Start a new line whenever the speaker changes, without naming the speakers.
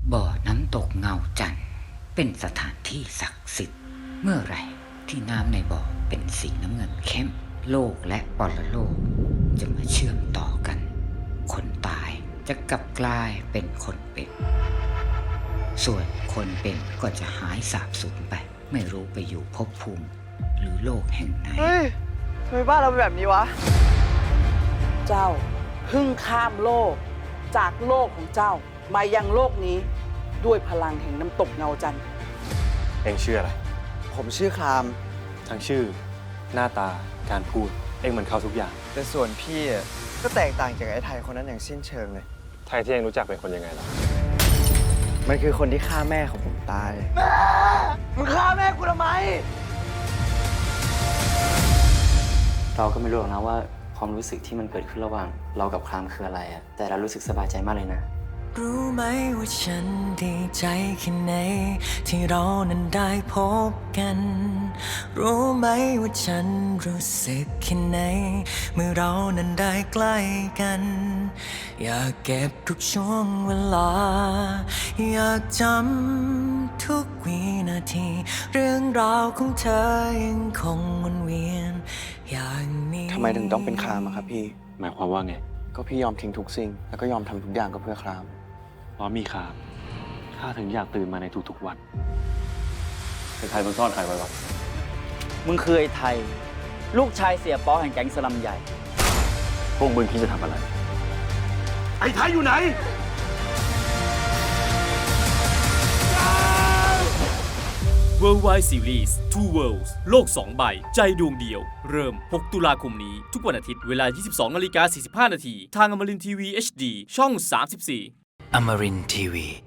บ่อน้ำตกเงาจันทร์เป็นสถานที่ศักดิ์สิทธิ์เมื่อไหร่ที่น้ำในบ่อเป็นสีน้ำเงินเข้มโลกและปรโลกจะมาเชื่อมต่อกันคนตายจะกลับกลายเป็นคนเป็นส่วนคนเป็นก็จะหายสาบสูญไปไม่รู้ไปอยู่ภพภูมิหรือโลกแห่งไหน
เฮ้ยทำไมบ้านเราเป็นแบบนี้วะ
เจ้าเพิ่งข้ามโลกจากโลกของเจ้ามายังโลกนี้ด้วยพลังแห่งน้ำตกเงาจันทร์
เองชื่ออะไร
ผมชื่อคราม
ทั้งชื่อ หน้าตา การพูด เองเหมือนเขาทุกอย่าง
แต่ส่วนพี่อะก็แตกต่างจากไอ้ไทยคนนั้นอย่างสิ้นเชิงเลย
ไทยที่เองรู้จักเป็นคนยังไงล่ะ
มันคือคนที่ฆ่าแม่ของผมตาย แม่ มึงฆ่าแม่กูทำไม
เราก็ไม่รู้หรอกนะว่าความรู้สึกที่มันเกิดขึ้นระหว่างเรากับครามคืออะไรอะแต่เรารู้สึกสบายใจมากเลยนะ
รู้ไหมว่าฉันดีใจแค่ไหนที่เรานั้นได้พบกัน รู้ไหมว่าฉันรู้สึกแค่ไหนเมื่อเรานั้นได้ใกล้กัน อยากเก็บทุกช่วงเวลา อยากจำทุกวินาที เรื่องราวของเธอยังคงวนเวียนอย่างนี้
ทำไมถึงต้องเป็นครามอะครับพี่
หมายความว่าไง
ก็พี่ยอมทิ้งทุกสิ่ง แล้วก็ยอมทำทุกอย่างก็เพื่อคราม
เพราะมีคามข้าถึงอยากตื่นมาในทุกๆวันไอ้ไทยมันซ่อนใครไว้วะ
มึงคือไอ้ไทย ลูกชายเสียป๊อแห่งแก๊งสลัมใหญ่
พวกมึงคิดจะทำอะไร
ไอ้ไทยอยู่ไหน
Worldwide Series Two Worlds โลก 2 ใบ ใจดวงเดียว เริ่ม 6 ตุลาคมนี้ ทุกวันอาทิตย์ เวลา 22:45 น. ทางอมรินทร์ทีวี HD ช่อง 34
Amarin Tiwi.